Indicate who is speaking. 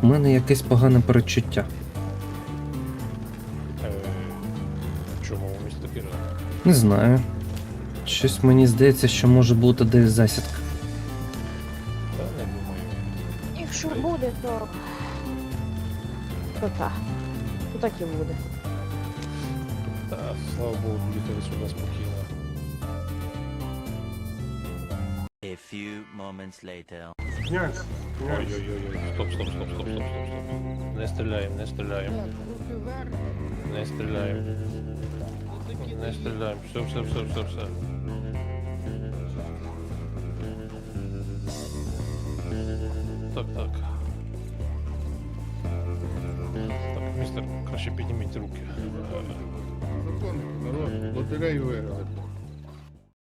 Speaker 1: У мене якесь погане передчуття.
Speaker 2: Чому місто Кіра?
Speaker 1: Не знаю. Щось мені здається, що може бути десь засідка.
Speaker 2: Та не думаю.
Speaker 3: Якщо буде, то... То так. То так і буде.
Speaker 2: Та, слава Богу, їхали сюди спокійно.
Speaker 4: A few moments later.
Speaker 5: Князь,
Speaker 2: Ой-ой-ой, стоп. Не стріляємо. Не стріляємо. Все. Так. Так, містер, краще підніміть руки.
Speaker 5: закон, народ, лотерею виграли.